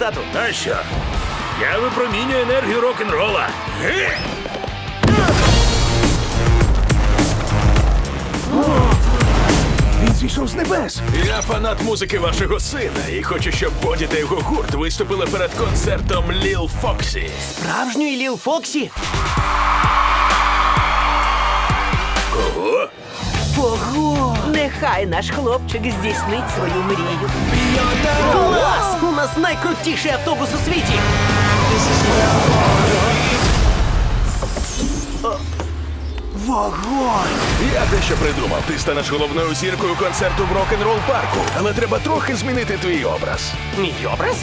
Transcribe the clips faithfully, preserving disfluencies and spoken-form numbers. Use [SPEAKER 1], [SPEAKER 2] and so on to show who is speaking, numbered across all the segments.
[SPEAKER 1] тату?
[SPEAKER 2] А що? Я випромінюю енергію рок-н-рола. Ге!
[SPEAKER 3] Він зійшов з небес.
[SPEAKER 4] Я фанат музики вашого сина і хочу, щоб Боді та його гурт виступили перед концертом Ліл Фоксі.
[SPEAKER 1] Справжньої Ліл Фоксі?
[SPEAKER 2] Кого?
[SPEAKER 1] Ого!
[SPEAKER 5] Нехай наш хлопчик здійснить свою мрію.
[SPEAKER 1] Клас! У нас найкрутіший автобус у світі! О, Вогонь!
[SPEAKER 4] Я дещо придумав. Ти станеш головною зіркою концерту в рок-н-рол парку, але треба трохи змінити твій образ.
[SPEAKER 1] Мій образ?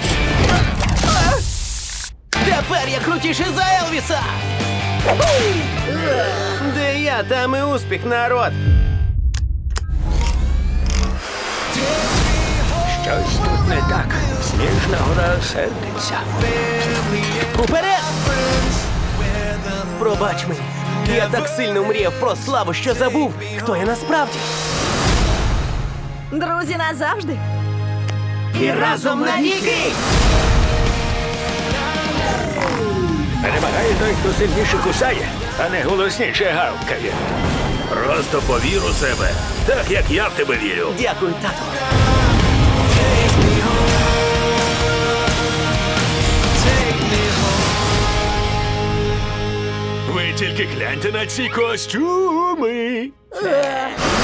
[SPEAKER 1] Тепер я крутіший за Елвіса! Де я, там і успіх, народ!
[SPEAKER 2] Щось тут не так. Сніжна гора сердиться.
[SPEAKER 1] Уперед! Пробач мені. Я так сильно мріяв про славу, що забув, хто я насправді.
[SPEAKER 5] Друзі назавжди.
[SPEAKER 1] І разом навіки!
[SPEAKER 2] Перемагає той, хто сильніше кусає, а не голосніше гавкає. Просто повір у себе, так як я в тебе вірю.
[SPEAKER 1] Дякую, тату.
[SPEAKER 4] Ви тільки гляньте на ці костюми.